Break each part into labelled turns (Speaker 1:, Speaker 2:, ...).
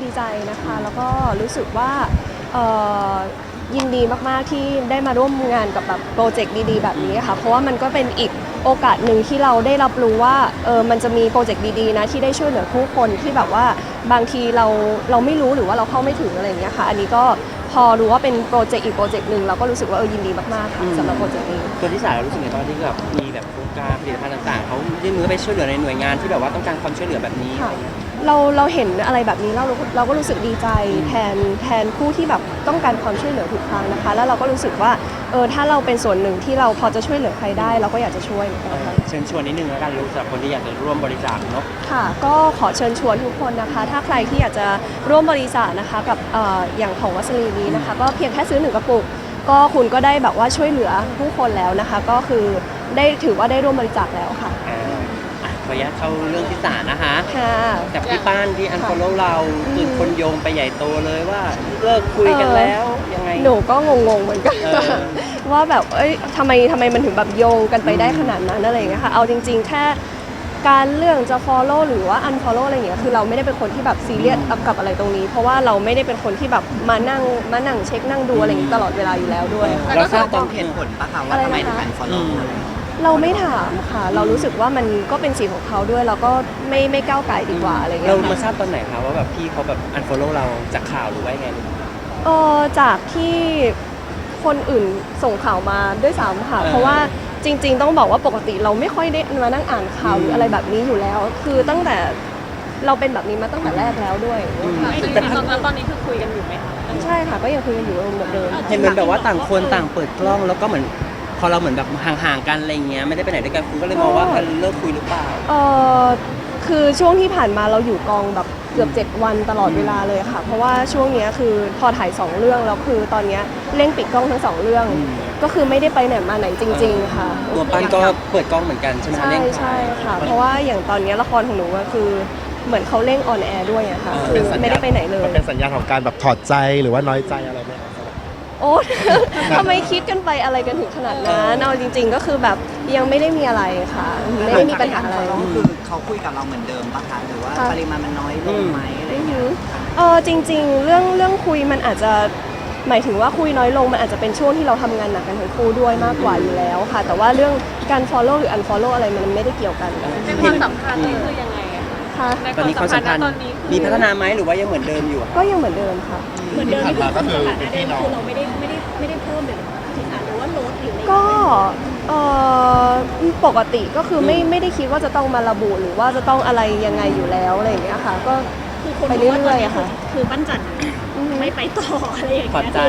Speaker 1: ดีใจนะคะแล้วก็รู้สึกว่าเอ่อยินดีมากๆที่ได้มาร่วมงานกับแบบโปรเจกต์ดีๆแบบนี้ค่ะเพราะว่ามันก็เป็นอีกโอกาสหนึ่งที่เราได้รับรู้ว่ามันจะมีโปรเจกต์ดีๆนะที่ได้ช่วยเหลือผู้คนที่แบบว่าบางทีเราไม่รู้หรือว่าเราเข้าไม่ถึงอะไรอย่างเงี้ยค่ะอันนี้ก็พอรู้ว่าเป็นโปรเจกต์อีกโปรเจกต์หนึ่งเราก็รู้สึกว่ายินดีมากๆค่ะสำหรับโปรเจกต์นี้
Speaker 2: ตัวที่สายรู้สึกไงตอนที่แบบมีแบบโครงการผลิตภัณฑ์ต่างๆเขายื่นมือไปช่วยเหลือในหน่วยงานที่แบบว่าต้องการความช่วยเหลือแบบนี้
Speaker 1: ค่ะเราเห็นอะไรแบบนี้เราก็รู้สึกดีใจแทนผู้ที่แบบต้องการความช่วยเหลือทุกครั้งนะคะแล้วเราก็รู้สึกว่าถ้าเราเป็นส่วนหนึ่งที่เราพอจะช่วยเหลือใครได้เราก็อยากจะช่วยนะคะ
Speaker 2: เชิญชวนนิดนึงแล้วกันรู้สำหรับคนที่อยากจะร่วมบริจาคเนาะ
Speaker 1: ค่ะก็ขอเชิญชวนทุกคนนะคะถ้าใครที่อยากจะร่วมบริจาคนะคะกับอย่างของวัสลีนี้นะคะก็เพียงแค่ซื้อ1 กระปุกก็คุณก็ได้แบบว่าช่วยเหลือผู้คนแล้วนะคะก็คือได้ถือว่าได้ร่วมบริจาคแล้วค่ะ
Speaker 2: ขออนุญาตเข้าเรื่องที่ศาลนะคะ
Speaker 1: ค่ะ
Speaker 2: กับพี่ป้านที่อันฟอลโล่เราตื่นคนโยงไปใหญ่โตเลยว่าเลิกคุยกันแล้วยังไง
Speaker 1: หนูก็งงๆเหมือนกันว่าแบบทำไมมันถึงแบบโยงกันไปได้ขนาดนั้นอะไรอย่างเงี้ยค่ะเอาจริงๆแค่การเรื่องจะ follow หรือว่า unfollow อะไรอย่างเงี้ยคือเราไม่ได้เป็นคนที่แบบซีเรียสกับอะไรตรงนี้เพราะว่าเราไม่ได้เป็นคนที่แบบมานั่งเช็คนั่งดูอะไรอย่างงี้ตลอดเวลาอยู่แล้วด้วย
Speaker 2: เราทราบตอน
Speaker 3: เหตุผลปะคะว่าทำไมถึงอันฟอลโล่
Speaker 1: เราไม่ถามค่ะเรารู้สึกว่ามันก็เป็นสิทธิ์ของเขาด้วยเราก็ไม่ก้าวไก่ดีกว่าอะไรเงี้ย
Speaker 2: เรามาทราบตอนไหนคะว่าแบบพี่เขาแบบอันฟอลโล่เราจากข่าวหรือว่าไง
Speaker 1: จากที่คนอื่นส่งข่าวมาด้วยซ้ำค่ะเพราะว่าจริงๆต้องบอกว่าปกติเราไม่ค่อยได้มานั่งอ่านข่าวหรืออะไรแบบนี้อยู่แล้ว คือตั้งแต่เราเป็นแบบนี้มาตั้งแต่แรกแล้วด้วย
Speaker 4: แต่ตอนนี้คือคุยกันอยู่ไหมคะ
Speaker 1: ใช่ค่ะก็ยังคุยกันอยู่เหมือนเดิม
Speaker 2: เห็นเหมือนแบบว่าต่างคนต่างเปิดกล้องแล้วก็เหมือนพอเราเหมือนแบบห่างๆกันอะไรเงี้ยไม่ได้ไปไหนด้วยกันคุณก็เลยมองว่าเลิกคุยหรือเปล่า
Speaker 1: คือช่วงที่ผ่านมาเราอยู่กองแบบเกือบ7 วันตลอดเวลาเลยค่ะเพราะว่าช่วงนี้คือพอถ่าย2 เรื่องแล้วคือตอนนี้เร่งปิดกล้องทั้ง2 เรื่องก็คือไม่ได้ไปไหนมาไหนจริงๆค่ะ
Speaker 2: ตัวปั้นก็เปิดกล้องเหมือนกันใช่ไหม
Speaker 1: ใช่ค่ะเพราะว่าอย่างตอนนี้ละครของหนูก็คือเหมือนเขาเร่งออนแอร์ด้วยอะค่ะคือไม่ได้ไปไหนเลย
Speaker 5: มันเป็นสัญญาณของการแบบถอดใจหรือว่าน้อยใจอะไรไหม
Speaker 1: โอ้ทำไมคิดกันไปอะไรกันถึงขนาดนั้นเอาจริงๆก็คือแบบยังไม่ได้มีอะไรค่ะไม่ได้มีปัญหาอะไร
Speaker 3: คือเขาคุยกับเราเหมือนเดิมปะคะหรือว่าปริมาณมันน้อยลงไหมอะไรอย่างเงี้ย
Speaker 1: จริงๆเรื่องคุยมันอาจจะหมายถึงว่าคุยน้อยลงมันอาจจะเป็นช่วงที่เราทำงานหนักกันทั้งคู่ด้วยมากกว่าอยู่แล้วค่ะแต่ว่าเรื่องการ follow หรือ unfollow อะไรมันไม่ได้เกี่ยวกัน
Speaker 4: ในความสัมพันธ์นี่คือยังไง
Speaker 1: ค่ะ
Speaker 2: ตอนนี้ความสัมพันธ์มีพัฒนาไหมหรือว่ายังเหมือนเดิมอยู่
Speaker 1: ก็ยังเหมือนเดิมค่ะ
Speaker 4: เหมือนเดิมที่คือความสัมพันธ์นั้นคือเราไม่ได้เพิ่มเลยหรือว่าลดหรืออะไร
Speaker 1: ก็ปกติก็คือไม่ได้คิดว่าจะต้องมาระบุหรือว่าจะต้องอะไรยังไงอยู่แล้วอะไรอย่างเงี้ยค่ะก็ไปเรื่อยๆค่ะ
Speaker 4: คือปั้นจันไม่ไปต่ออะไรอย่างเงี้ย
Speaker 2: ใจ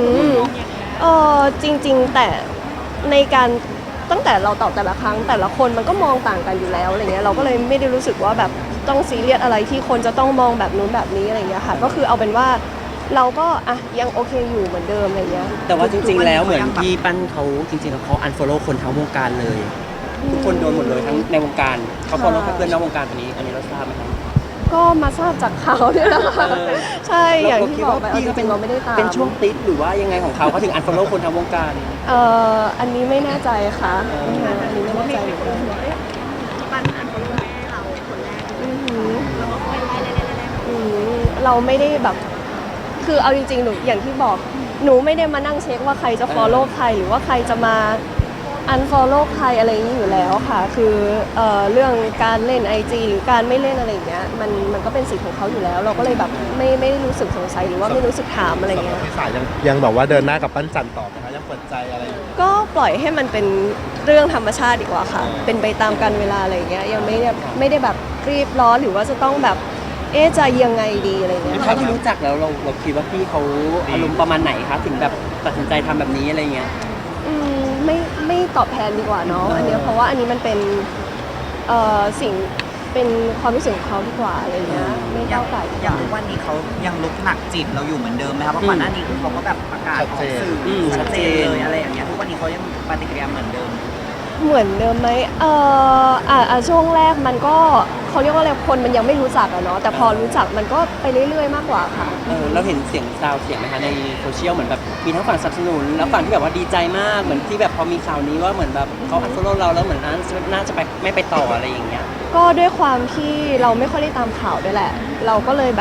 Speaker 1: จริงๆแต่ในการตั้งแต่เราตอบแต่ละครั้งแต่ละคนมันก็มองต่างกันอยู่แล้วอะไรเงี้ยเราก็เลยไม่ได้รู้สึกว่าแบบต้องซีเรียสอะไรที่คนจะต้องมองแบบนู้นแบบนี้อะไรเงี้ยค่ะก็คือเอาเป็นว่าเราก็ยังโอเคอยู่เหมือนเดิมอะไรเงี้ย
Speaker 2: แต่ว่าจริงๆแล้วเหมือนพี่ปั้นเขาจริงๆแล้วเขาอันฟอลโล่คนทั้งวงการเลยทุกคนโดนหมดเลยทั้งในวงการเขาฟอลโล่แค่เพื่อนนอกวงการตัวนี้อันนี้เราทราบไหมครับ
Speaker 1: ก็มาทราบจากข่าวเนี่ยแหละค่ะใช่อย่างที่บอกไปจริงๆเราไม่ได้ตาม
Speaker 2: เป็นช่วงติดหรือว่ายังไงของเขาถึงอันฟอลโล่คนทั้งวงการ
Speaker 1: อันนี้ไม่แน่ใจค่ะอันนี้ไม่แน่ใจเหมือนกัน
Speaker 4: ปั้นอันฟอลโล่แม่เราคนแรกเราก็ค่อยไล่
Speaker 1: เราไม่ได้แบบคือเอาจริงๆหนูอย่างที่บอกหนูไม่ได้มานั่งเช็คว่าใครจะ follow ใครหรือว่าใครจะมา unfollow ใครอะไรอย่างนี้อยู่แล้วค่ะคือเรื่องการเล่น IG หรือการไม่เล่นอะไรอย่างเงี้ยมันก็เป็นสิทธิ์ของเขาอยู่แล้วเราก็เลยแบบไม่ได้รู้สึกสงสัยหรือว่าไม่รู้สึกถามอะไรเงี้ย
Speaker 5: พี่สายยังแบบว่าเดินหน้ากับปั้นจันต่อไหมคะยังเปิดใจอะไรอยู่
Speaker 1: ก็ปล่อยให้มันเป็นเรื่องธรรมชาติดีกว่าค่ะเป็นไปตามกาลเวลาอะไรอย่างเงี้ยยังไม่ได้แบบรีบร้อนหรือว่าจะต้องแบบจะยังไงดีอะไรเงี้ย
Speaker 2: เท่าที่รู้จักแล้วเราคิดว่าพี่เขาอารมณ์ประมาณไหนคะถึงแบบตัดสินใจทำแบบนี้อะไรเงี้ย
Speaker 1: ไม่ตอบแทนดีกว่าเนาะอันนี้เพราะว่าอันนี้มันเป็นสิ่งเป็นความรู้สึกของเขาดีกว่าอะไรเงี้ยไม่ก้าวไก่
Speaker 3: อย่างทุกวันนี้เขายังลุกหนักจิตเราอยู่เหมือนเดิมไหมครับเพราะก่อนหน้านี้คือเขาก็แบบประกาศออกสื่อชัดเจนเลยอะไรอย่างเงี้ยทุกวันนี้เขายังปฏิกิริยาเหมือนเดิม
Speaker 1: ไหมช่วงแรกมันก็เขาเรียกว่าอะไรคนมันยังไม่รู้จักอะเนาะแต่พอรู้จักมันก็ไปเรื่อยๆมากกว่าค่ะ
Speaker 2: เราเห็นเสียงซาวเสียงไหมคะในโซเชียลเหมือนแบบมีทั้งฝั่งสนับสนุนแล้วฝั่งที่แบบว่าดีใจมากเหมือนที่แบบพอมีข่าวนี้ว่าเหมือนแบบเขาอันฟอลโล่เราแล้วเหมือนน่าจะไปไม่ไปต่ออะไรอย่างเงี้ย
Speaker 1: ก็ด้วยความที่เราไม่ค่อยได้ตามข่าวด้วยแหละเราก็เลยแบบ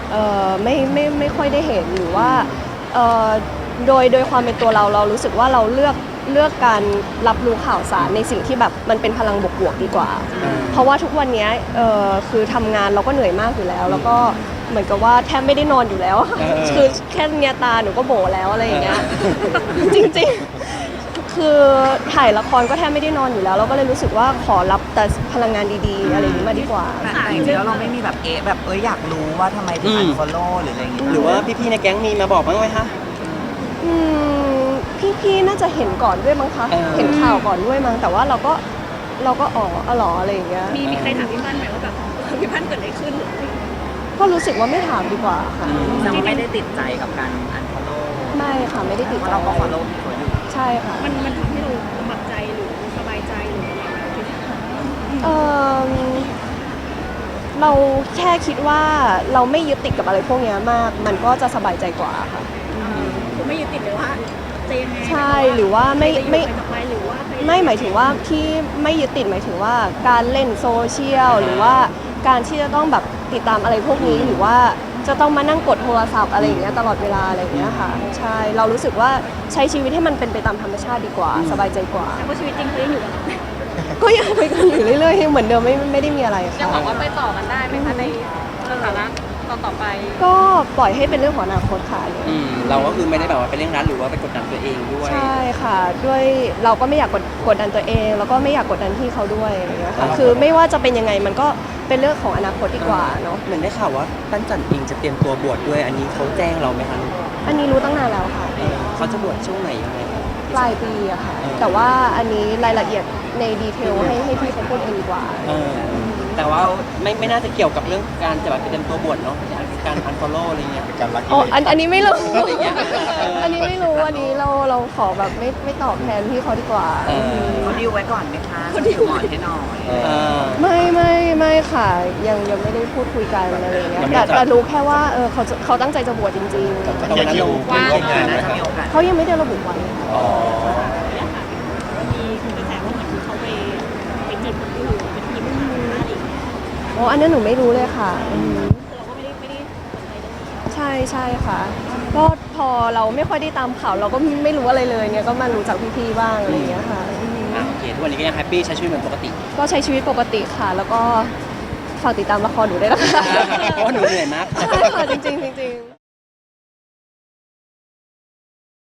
Speaker 1: ไม่ค่อยได้เห็นหรือว่าเอ่อโดยความเป็นตัวเรารู้สึกว่าเราเลือกการรับรู้ข่าวสารในสิ่งที่แบบมันเป็นพลังบวกๆดีกว่า เพราะว่าทุกวันนี้คือทำงานเราก็เหนื่อยมากอยู่แล้ว แล้วก็เหมือนกับว่าแทบไม่ได้นอนอยู่แล้ว คือแค่เนียตาหนูก็โบแล้วอะไรอย่างเงี้ย จริงๆ คือถ่ายละครก็แทบไม่ได้นอนอยู่แล้ว เราก็เลยรู้สึกว่าขอรับแต่พลังงานดีๆ อะไรอย่างนี้มาดีกว่า
Speaker 3: แต่จริงๆแล้วเราไม่มีแบบแบบอยากรู้ว่าทำไมถึงอันฟอลโล่หรืออะไรอย่างเงี้ย
Speaker 2: หรือว่าพี่ๆในแก๊งมีมาบอกบ้างไหมคะ
Speaker 1: อืมพี่ๆน่าจะเห็นก่อนด้วยมั้งคะ เห็นข่าวก่อนด้วยมั้งแต่ว่าเราก็อ๋อหรออะไรอย่างเงี้ย
Speaker 4: มีใครถามพี่ปั้นไหมว่าแบบพี่ปั้นเกิดอะไรขึ้นหรืออะไร
Speaker 1: ก็รู้สึกว่าไม่ถามดีกว่าค่ะ
Speaker 3: แต่ว่าไม่ได้ติดใจกับการอันฟอลโล่
Speaker 1: ไม่ค่ะไม่ได้ติด
Speaker 3: เพราะ
Speaker 1: ใจ
Speaker 3: เราก็
Speaker 1: อะไร
Speaker 3: ฟอลโล่พี่เขาอยู่
Speaker 1: ใช่ค่ะ
Speaker 4: มันทำให้เราสมัครใจหรือสบายใจหรืออะไรไหมที่ถาม
Speaker 1: เออเราแค่คิดว่าเราไม่ยึดติดกับอะไรพวกเนี้ยมาก มันก็จะสบายใจกว่าค่ะ
Speaker 4: คือไม่ยึดติดเลยว่าจะยังไง
Speaker 1: ใช่หรือว่าไม่
Speaker 4: ใครจะอยู่ใครจะไปหรือว่าใคร
Speaker 1: ไม่หมายถึงว่าที่ไม่ยึดติดหมายถึงว่าการเล่นโซเชียลหรือว่าการที่จะต้องแบบติดตามอะไรพวกนี้หรือว่าจะต้องมานั่งกดโทรศัพท์อะไรอย่างเงี้ยตลอดเวลาอะไรอย่างเงี้ยค่ะใช่เรารู้สึกว่าใช้ชีวิตให้มันเป็นไปตามธรรมชาติดีกว่า สบายใจกว่า
Speaker 4: แต่ว่าชีวิตจริงเขายังอยู่กับเรา
Speaker 1: ก็ยังไปกันอยู่เรื่อยๆเหมือนเดิมไม่ได้มีอะไร
Speaker 4: จะ
Speaker 1: ค่ะ
Speaker 4: บอกว่าไปต่อกันได้ไหมคะในสถานะต่อไป
Speaker 1: ก็ปล่อยให้เป็นเรื่องของอนาคตค่ะ
Speaker 2: เราก็คือไม่ได้แบบว่าไปเร่งรัดหรือว่าไปกดดันตัวเองด้วย
Speaker 1: ใช่ค่ะด้วยเราก็ไม่อยากกดดันตัวเอง แล้วก็ไม่อยากกดดันพี่เขาด้วยอย่างเงี้ยค่ะคือไม่ว่าจะเป็นยังไงมันก็เป็นเรื่องของอนาคตดีกว่าเนาะ
Speaker 2: เหมือนได้ข่าวว่าปั้นจันเองจะเตรียมตัวบวชด้วย อันนี้เขาแจ้งเราไหมคะ
Speaker 1: อันนี้รู้ตั้งนานแล้วค่ะ
Speaker 2: เขาจะบวชช่วงไหนยังไงคะ
Speaker 1: ปลายปีอะค่ะ แต่ว่าอันนี้รายละเอียดในดีเทลให้พี่เขาพูดเองดีกว่า
Speaker 2: แต่ว่าไม่น่าจะเกี่ยวกับเรื่องการจะแบบไปเตรียมตัวบวชเนาะการอันฟอลโล่อะไรเงี้ย
Speaker 5: เป็นการรัก
Speaker 1: อ๋ออันนี้ไม่รู้
Speaker 2: อะไรอย่างเงี้ย
Speaker 1: อันนี้ไม่รู้ อันนี้เราขอแบบไม่ตอบแทนพี่เขาดีกว่า
Speaker 3: เขาดิวไว้ก่อนไหมคะเขาดิวก่อนให้หน่อย
Speaker 1: ไม่ค่ะ ยังไม่ได้พูดคุยกันอะไรอย่างเงี้ยแต่รู้แค่ว่าเขาตั้งใจจะบวชจริง
Speaker 2: ตรงนั้นเรา
Speaker 3: ว่า
Speaker 5: ร่วมงานไหม
Speaker 3: น่า
Speaker 5: ค
Speaker 3: จะ
Speaker 5: รับ
Speaker 3: มีโอกาส
Speaker 1: ๆเขายังไม่ได้ระบุวัน
Speaker 2: อ๋อ
Speaker 4: มีคุณกระแสว่าเหมือนเขาไปจีบคนอื่นไปจีบผู้ชายอะไรอย่างเงี้ย
Speaker 1: อ๋ออันนั้นหนูไม่รู้เลยค่ะอืม
Speaker 4: คือเราก็ไม่ได้สนใจตรงนี้
Speaker 1: ใช่ค่ะ ก็พอเราไม่ค่อยได้ตามข่าวเราก็ไม่รู้อะไรเลยเนี่ยก็มารู้จากพี่ๆบ้างอะไรอย่างเงี้ยค่ะอืม
Speaker 2: โอเคทุกวันนี้ก็ยังแฮปปี้ใช้ชีวิตเหมือนปกติ
Speaker 1: ก็ใช้ชีวิตปกติค่ะ แล้วก็ฝากติดตามละครหนูด้วยนะคะ
Speaker 2: เพราะว่าหนูเหนื่อยมาก
Speaker 1: ใช่ค่ะจริงๆ